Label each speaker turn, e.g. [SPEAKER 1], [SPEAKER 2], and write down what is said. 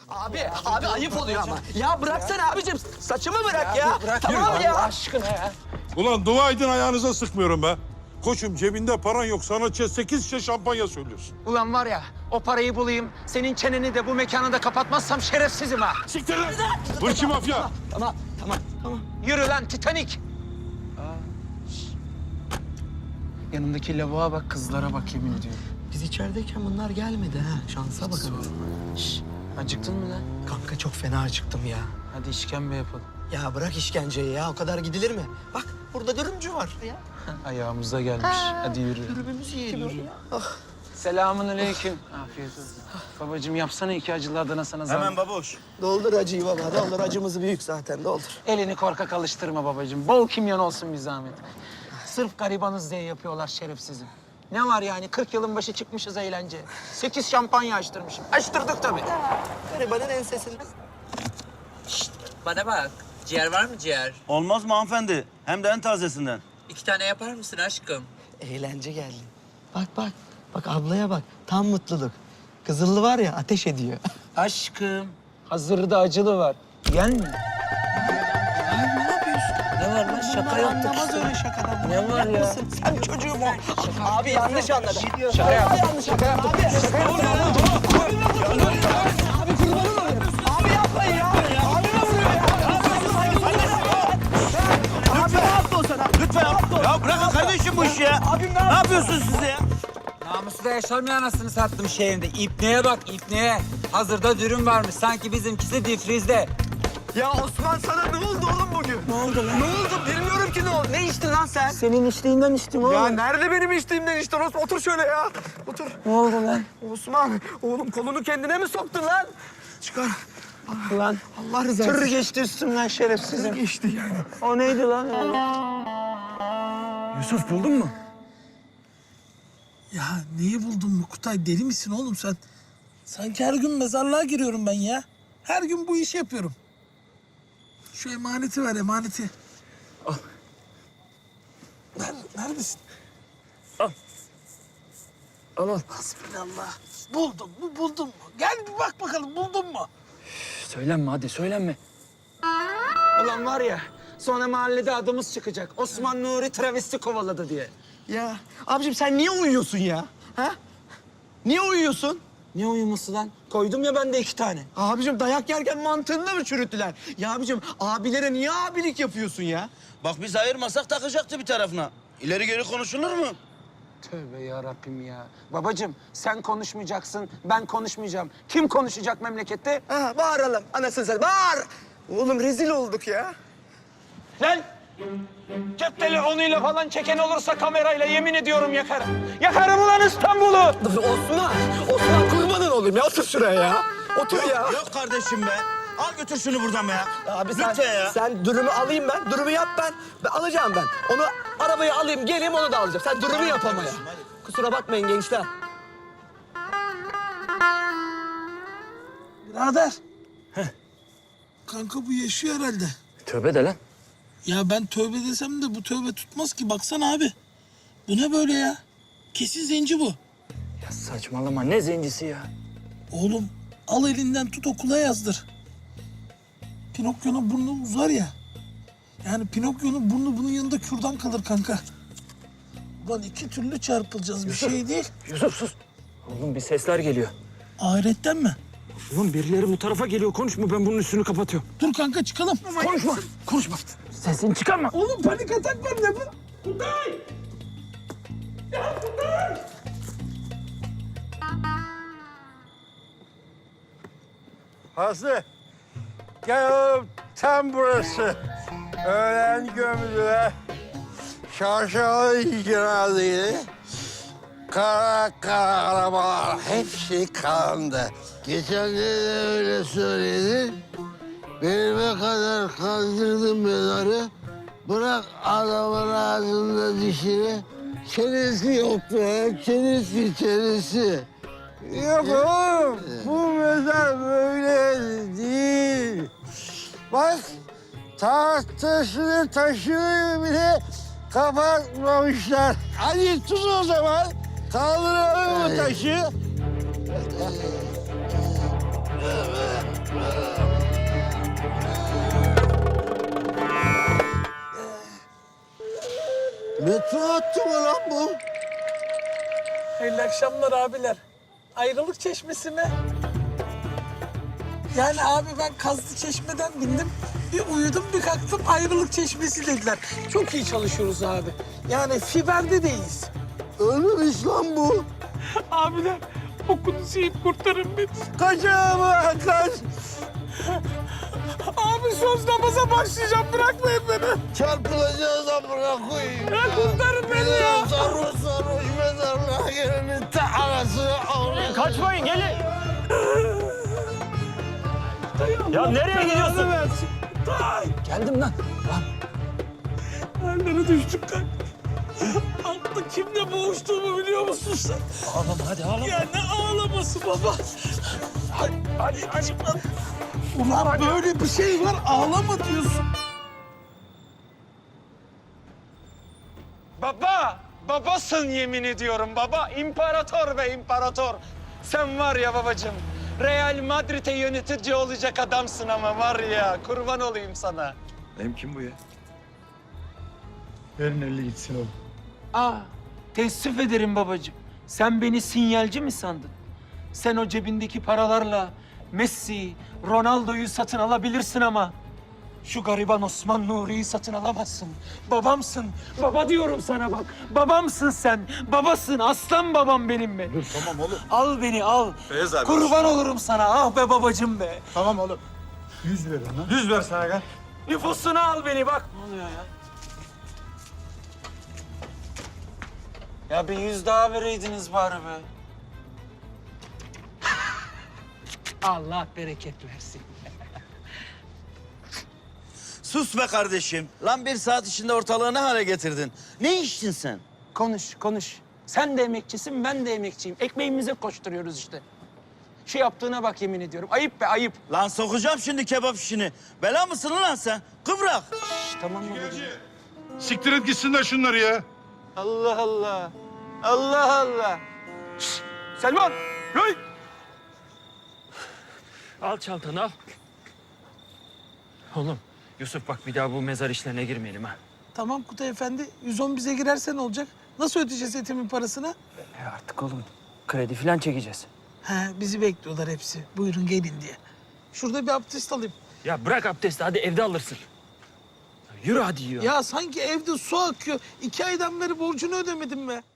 [SPEAKER 1] Abi ayıp oluyor ama. Ya bıraksana abicim. Saçımı bırak ya. Tamam ya.
[SPEAKER 2] Aşkına ya.
[SPEAKER 3] Ulan dua edin ayağınıza sıkmıyorum be. Koçum cebinde paran yok. Sana 8 şişe şampanya söylüyorsun.
[SPEAKER 2] Ulan var ya, o parayı bulayım, senin çeneni de bu mekanı da kapatmazsam şerefsizim ha.
[SPEAKER 3] Siktir lan! Hırçı mafya!
[SPEAKER 1] Tamam.
[SPEAKER 2] Yürü lan Titanik. Yanındaki lavuğa bak, kızlara bak yemin ediyorum.
[SPEAKER 1] Biz içerideyken bunlar gelmedi ha. Şansa bak.
[SPEAKER 2] Acıktın mı lan?
[SPEAKER 1] Kanka çok fena acıktım ya.
[SPEAKER 2] Hadi işkembe yapalım.
[SPEAKER 1] Ya bırak işkenceyi ya. O kadar gidilir mi? Bak burada dürümcü var ya.
[SPEAKER 2] Ayağımıza gelmiş. Hadi yürü.
[SPEAKER 1] Dürümümüzü yiyelim ya.
[SPEAKER 2] Selamun aleyküm. Afiyet olsun. Babacığım yapsana 2 acılı Adana sana zahmet.
[SPEAKER 4] Hemen babuş.
[SPEAKER 1] Doldur acıyı baba. Doldur. Acımız büyük zaten. Doldur.
[SPEAKER 2] Elini korkak alıştırma babacığım. Bol kimyon olsun bir zahmet. Sırf garibanız diye yapıyorlar şerefsizim. Ne var yani 40 yılın başı çıkmışız eğlence. 8 şampanya açtırmışım. Açtırdık tabii.
[SPEAKER 1] Garibanın ensesini.
[SPEAKER 5] Bana bak. Ciğer var mı ciğer?
[SPEAKER 4] Olmaz mı hanımefendi? Hem de en tazesinden.
[SPEAKER 5] 2 tane yapar mısın aşkım?
[SPEAKER 1] Eğlence geldi. Bak. Bak ablaya bak. Tam mutluluk. Kızıllı var ya ateş ediyor.
[SPEAKER 2] Aşkım. Hazırda acılı var. Yen mi? Ne var lan? Şaka yaptık
[SPEAKER 1] Anlamaz
[SPEAKER 2] işte.
[SPEAKER 1] öyle şakadan.
[SPEAKER 2] Ne var ya?
[SPEAKER 1] Sen çocuğum o. Abi yanlış anladı.
[SPEAKER 2] Şaka yaptık.
[SPEAKER 1] Yanlış şaka yaptı. Abi kurbanım olayım. Abi yapmayın ya. Abi ne vuruyor ya? Abi ne yaptı o sana?
[SPEAKER 4] Lütfen. Ya bırakın kardeşim bu işi ya.
[SPEAKER 1] Abim
[SPEAKER 4] Ne yapıyorsunuz siz ya?
[SPEAKER 5] Namusu da yaşamayan anasını sattım şehrinde. İpneye bak ipneye. Hazırda dürüm varmış. Sanki bizimkisi difrizde.
[SPEAKER 1] Ya Osman sana ne oldu oğlum bugün? Ne oldu lan? Ne oldu? Bilmiyorum ki ne oldu. Ne içtin lan sen?
[SPEAKER 2] Senin içtiğinden içtim oğlum.
[SPEAKER 1] Ya nerede benim içtiğimden içtin Osman? Otur şöyle ya. Otur.
[SPEAKER 2] Ne oldu lan?
[SPEAKER 1] Osman, oğlum kolunu kendine mi soktun lan? Çıkar.
[SPEAKER 2] Lan
[SPEAKER 1] Allah rızası
[SPEAKER 2] tır
[SPEAKER 1] için.
[SPEAKER 2] geçti üstümden şerefsizim.
[SPEAKER 1] Geçti yani.
[SPEAKER 2] O neydi lan?
[SPEAKER 6] Yusuf buldun mu? Ya neyi buldun mu Kutay? Deli misin oğlum sen? Sanki her gün mezarlığa giriyorum ben ya. Her gün bu işi yapıyorum. Şu emaneti ver, emaneti. Al. Neredesin? Al. Hasbinallah. Buldum mu, buldun mu? Gel bir bak bakalım, buldun mu?
[SPEAKER 2] Söylenme hadi söylenme. Ulan var ya sonra mahallede adımız çıkacak. Osman Nuri travesti kovaladı diye.
[SPEAKER 1] Ya abicim sen niye uyuyorsun ya? Ha? Niye uyuyorsun?
[SPEAKER 2] Ne uyuması lan? Koydum ya ben de 2 tane.
[SPEAKER 1] Abicim dayak yerken mantığını da mı çürüttüler? Ya abicim abilere niye abilik yapıyorsun ya?
[SPEAKER 4] Bak biz ayırmasak takacaktı bir tarafına. İleri geri konuşulur mu?
[SPEAKER 2] Tövbe yarabbim ya. Babacığım sen konuşmayacaksın, ben konuşmayacağım. Kim konuşacak memlekette?
[SPEAKER 1] Ha, bağıralım anasını sen bağır. Oğlum rezil olduk ya.
[SPEAKER 2] Lan! Cep telefonuyla falan çeken olursa kamerayla yemin ediyorum yakarım. Yakarım ulan İstanbul'u!
[SPEAKER 1] Osman kurbanın olayım ya otur şuraya ya. Otur ya.
[SPEAKER 4] Yok kardeşim be. Al götür şunu buradan be ya.
[SPEAKER 1] Abi sen,
[SPEAKER 4] Lütfen ya.
[SPEAKER 1] sen dürümü alayım ben. Dürümü yap ben alacağım ben. Onu arabaya alayım geleyim onu da alacağım. Sen dürümü yap ama ya. Kusura bakmayın gençler.
[SPEAKER 6] Birader. Kanka bu yaşıyor herhalde.
[SPEAKER 2] Tövbe de lan.
[SPEAKER 6] Ya ben tövbe desem de bu tövbe tutmaz ki. Baksana abi. Bu ne böyle ya? Kesin zenci bu.
[SPEAKER 2] Ya saçmalama ne zencisi ya?
[SPEAKER 6] Oğlum al elinden tut okula yazdır. Pinokyo'nun burnu uzar ya. Yani Pinokyo'nun burnu bunun yanında kürdan kalır kanka. Ulan 2 türlü çarpılacağız bir şey değil.
[SPEAKER 2] Yusuf sus. Oğlum bir sesler geliyor.
[SPEAKER 6] Ahiretten mi?
[SPEAKER 2] Oğlum birileri bu tarafa geliyor konuşma ben bunun üstünü kapatıyorum.
[SPEAKER 6] Dur kanka çıkalım.
[SPEAKER 2] Konuşma. Sesini çıkarma.
[SPEAKER 6] Oğlum panik atak var ne bu?
[SPEAKER 3] Aslı. Gel oğlum tam burası. Öğlen gömülüler. Şarşalı cenazeydi. Kara arabalar hepsi kandı. Geçen de öyle söyledin. Benime kadar kandırdın mezarı. Bırak adamın ağzında dişini. Çenesi yok be, çenesi. Yok oğlum, bu mezar böyle değil. Bak, tahtasını taşını bile kapatmamışlar. Hadi tut o zaman, kaldıralım bu taşı.
[SPEAKER 6] Hayırlı akşamlar abiler. Ayrılık Çeşmesi mi? Yani abi ben Kazlı Çeşme'den bindim. Bir uyudum bir kalktım Ayrılık Çeşmesi dediler. Çok iyi çalışıyoruz abi. Yani fiberde deyiz.
[SPEAKER 1] Ölmemiş lan bu.
[SPEAKER 6] Abiler okunuzu yiyip kurtarın beni.
[SPEAKER 1] Kaç ama kaç.
[SPEAKER 6] Abi söz namaza başlayacağım bırakmayın beni.
[SPEAKER 1] Çarpılacağız amına koyayım.
[SPEAKER 6] Ya kurtarın beni ya.
[SPEAKER 1] Sarhoş sarhoş mezarlığa gelenin ta anasını avradı.
[SPEAKER 7] Kaçmayın gelin. Ya nereye gidiyorsun?
[SPEAKER 6] Geldim lan. Nerelere düştük lan? Altta kimle boğuştuğumu biliyor musun sen?
[SPEAKER 7] Ağlama hadi ağlama.
[SPEAKER 6] Ya ne ağlaması baba? Hadi lan. Ulan böyle bir şey var ağlama diyorsun.
[SPEAKER 2] Baba, babasın yemin ediyorum baba. İmparator be imparator. Sen var ya babacığım, Real Madrid'e yönetici olacak adamsın ama var ya, kurban olayım sana.
[SPEAKER 8] Benim kim bu ya? Verin 50 gitsin oğlum.
[SPEAKER 2] Aa, teessüf ederim babacığım. Sen beni sinyalci mi sandın? Sen o cebindeki paralarla Messi, Ronaldo'yu satın alabilirsin ama şu gariban Osman Nuri'yi satın alamazsın. Babamsın. Baba diyorum sana bak. Babamsın sen. Babasın. Aslan babam benim be.
[SPEAKER 8] Dur tamam oğlum.
[SPEAKER 2] Al beni al.
[SPEAKER 8] Beyaz abi.
[SPEAKER 2] Kurban olurum sana. Ah be babacığım be.
[SPEAKER 8] Tamam oğlum. 100 ver ona. 100 ver sana gel.
[SPEAKER 2] Nüfusunu al beni bak. Ne oluyor ya? Ya bir 100 daha vereydiniz bari be.
[SPEAKER 6] Allah bereket versin.
[SPEAKER 4] Sus be kardeşim. Lan bir saat içinde ortalığı ne hale getirdin? Ne içtin sen?
[SPEAKER 2] Konuş, konuş. Sen de emekçisin, ben de emekçiyim. Ekmeğimize koşturuyoruz işte. Şu yaptığına bak yemin ediyorum. Ayıp be, ayıp.
[SPEAKER 4] Lan sokacağım şimdi kebap işini. Bela mısın lan sen? Kıvrak.
[SPEAKER 2] Tamam mı babacığım?
[SPEAKER 3] Siktir et gitsinler şunları ya.
[SPEAKER 2] Allah Allah. Allah Allah. Şşt, Selman! Hey!
[SPEAKER 7] Al çantanı al. Oğlum Yusuf bak bir daha bu mezar işlerine girmeyelim ha.
[SPEAKER 6] Tamam Kutay Efendi 110 bize girerse ne olacak? Nasıl ödeyeceğiz etimin parasını?
[SPEAKER 7] Artık oğlum kredi falan çekeceğiz.
[SPEAKER 6] He bizi bekliyorlar hepsi. Buyurun gelin diye. Şurada bir abdest alayım.
[SPEAKER 7] Ya bırak abdesti hadi evde alırsın. Yürü hadi ya.
[SPEAKER 6] Ya sanki evde su akıyor. 2 aydan beri borcunu ödemedim be.